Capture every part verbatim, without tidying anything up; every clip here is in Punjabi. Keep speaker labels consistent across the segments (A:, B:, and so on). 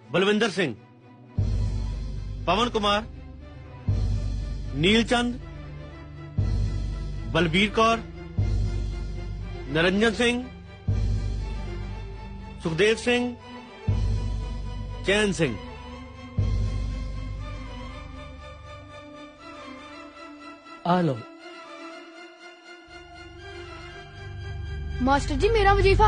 A: बलविंदर सिंह, पवन कुमार, नीलचंद, बलबीर कौर, निरंजन सिंह, सुखदेव सिंह, चैन सिंह।
B: आ लो।
C: मास्टर जी मेरा वजीफा।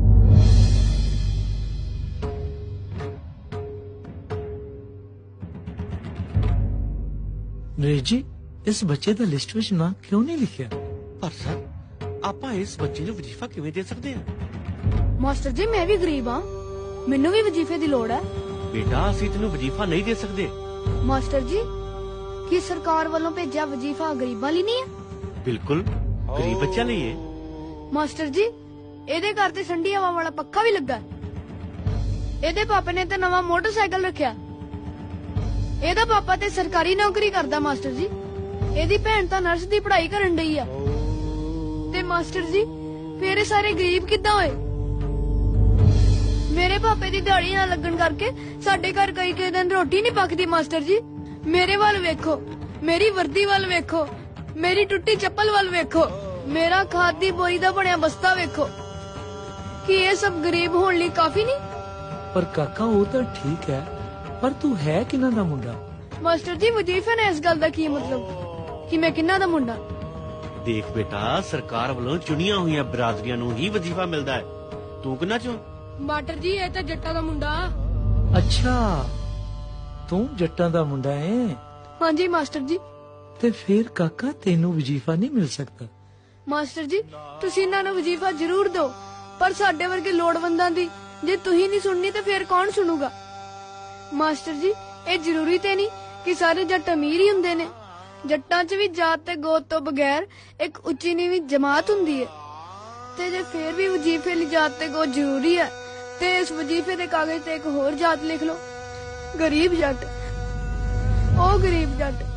B: नरेश जी इस बच्चे ਦਾ ਲਿਸਟ ਵਿੱਚ ਨਾਂ ਕਿਉਂ ਨਹੀਂ ਲਿਖਿਆ?
A: ਪਰ ਸਰ ਆਪਾਂ ਇਸ ਬੱਚੇ ਨੂੰ ਵਜ਼ੀਫਾ ਕਿਵੇਂ ਦੇ ਸਕਦੇ ਹਾਂ?
C: ਮਾਸਟਰ ਜੀ ਮੈਂ ਵੀ ਗਰੀਬ ਹਾਂ, ਮੈਨੂੰ ਵੀ ਵਜ਼ੀਫੇ ਦੀ ਲੋੜ ਹੈ।
A: ਬੇਟਾ ਅਸੀਂ ਤੈਨੂੰ ਵਜ਼ੀਫਾ ਨਹੀਂ ਦੇ ਸਕਦੇ।
C: ਮਾਸਟਰ ਜੀ ਕੀ ਸਰਕਾਰ ਵੱਲੋਂ ਭੇਜਿਆ ਵਜ਼ੀਫਾ ਗਰੀਬਾਂ ਲਈ ਨਹੀਂ ਹੈ?
A: ਬਿਲਕੁਲ ਗਰੀਬ ਬੱਚਿਆਂ ਲਈ ਹੈ।
C: ਮਾਸਟਰ ਜੀ ਇਹਦੇ ਘਰ ਤੇ ਠੰਡੀ ਹਵਾ ਵਾਲਾ ਪੱਖਾ ਵੀ ਲੱਗਾ। ਇਹਦੇ ਪਾਪੇ ਨੇ ਤੇ ਨਵਾਂ ਮੋਟਰਸਾਈਕਲ ਰੱਖਿਆ। ਇਹਦਾ ਪਾਪਾ ਤੇ ਸਰਕਾਰੀ ਨੌਕਰੀ ਕਰਦਾ ਮਾਸਟਰ ਜੀ। ਇਹਦੀ ਭੈਣ ਤਾਂ ਨਰਸ ਦੀ ਪੜ੍ਹਾਈ ਕਰਨ ਡਈ ਆ। ਤੇ ਮਾਸਟਰ ਜੀ ਫੇਰ ਇਹ ਸਾਰੇ ਗਰੀਬ ਕਿੱਦਾਂ ਹੋਏ? ਮੇਰੇ ਪਾਪੇ ਦੀ ਦਿਹਾੜੀ ਨਾ ਲੱਗਣ ਕਰਕੇ ਸਾਡੇ ਘਰ ਕਈ ਕਈ ਦਿਨ ਰੋਟੀ ਨਹੀਂ ਪੱਕਦੀ। ਮਾਸਟਰ ਜੀ ਮੇਰੇ ਵੱਲ ਵੇਖੋ, ਮੇਰੀ ਵਰਦੀ ਵੱਲ ਵੇਖੋ, ਮੇਰੀ ਟੁੱਟੀ ਚੱਪਲ ਵੱਲ ਵੇਖੋ, ਮੇਰਾ ਖਾਦ ਦੀ ਬੋਰੀ ਦਾ ਬਣਿਆ ਬਸਤਾ ਵੇਖੋ। ਕੀ ਇਹ ਸਭ ਗਰੀਬ ਹੋਣ ਲਈ ਕਾਫੀ ਨਹੀਂ?
B: ਪਰ ਕਾਕਾ ਉਹ ਤਾਂ ਠੀਕ ਹੈ, ਪਰ ਤੂੰ ਹੈ ਕਿਹਨਾਂ ਦਾ ਮੁੰਡਾ?
C: ਮਾਸਟਰ ਜੀ ਵਜ਼ੀਫੇ ਨੇ ਇਸ ਗੱਲ ਦਾ ਕੀ ਮਤਲਬ ਕਿ ਮੈਂ ਕਿਹਨਾਂ ਦਾ ਮੁੰਡਾ?
A: ਦੇਖ ਬੇਟਾ ਸਰਕਾਰ ਵੱਲੋਂ ਚੁਣੀਆਂ ਹੋਈਆਂ ਬਰਾਦਰੀਆਂ ਨੂੰ ਹੀ ਵਜ਼ੀਫਾ ਮਿਲਦਾ ਹੈ। ਤੂੰ ਕਿਹਨਾਂ ਚੋਂ?
C: ਮਾਸਟਰ ਜੀ ਇਹ ਤਾਂ ਜੱਟਾਂ ਦਾ ਮੁੰਡਾ।
B: ਅੱਛਾ ਤੂੰ ਜੱਟਾਂ ਦਾ ਮੁੰਡਾ ਹੈ?
C: ਹਾਂਜੀ ਮਾਸਟਰ ਜੀ।
B: ਤੇ ਫਿਰ ਕਾਕਾ ਤੈਨੂੰ ਵਜ਼ੀਫਾ ਨਹੀਂ ਮਿਲ ਸਕਦਾ।
C: ਮਾਸਟਰ ਜੀ ਤੁਸੀਂ ਇਹਨਾਂ ਨੂੰ ਵਜ਼ੀਫਾ ਜ਼ਰੂਰ ਦਿਓ, ਪਰ ਸਾਡੇ ਵਰਗੇ ਲੋੜਵੰਦਾਂ ਦੀ ਜੇ ਤੁਸੀਂ ਨਹੀਂ ਸੁਣਨੀ ਤੇ ਫਿਰ ਕੌਣ ਸੁਣੂਗਾ? ਮਾਸਟਰ ਜੀ ਇਹ ਜ਼ਰੂਰੀ ਤੇ ਨਹੀਂ ਕਿ ਸਾਰੇ ਜੱਟ ਅਮੀਰ ਹੀ ਹੁੰਦੇ ਨੇ। ਜੱਟਾਂ 'ਚ ਵੀ ਜਾਤ ਤੇ ਗੋਤ ਤੋਂ ਬਗੈਰ ਇੱਕ ਉੱਚੀ ਨੀਵੀਂ ਜਮਾਤ ਹੁੰਦੀ ਹੈ। ਤੇ ਜੇ ਫੇਰ ਵੀ ਵਜ਼ੀਫੇ ਲਈ ਜਾਤ ਤੇ ਗੋਤ ਜ਼ਰੂਰੀ ਹੈ ਤੇ ਇਸ ਵਜ਼ੀਫੇ ਦੇ ਕਾਗਜ਼ ਤੇ ਇੱਕ ਹੋਰ ਜਾਤ ਲਿਖ ਲਓ, ਗਰੀਬ ਜੱਟ। ਉਹ ਗਰੀਬ ਜੱਟ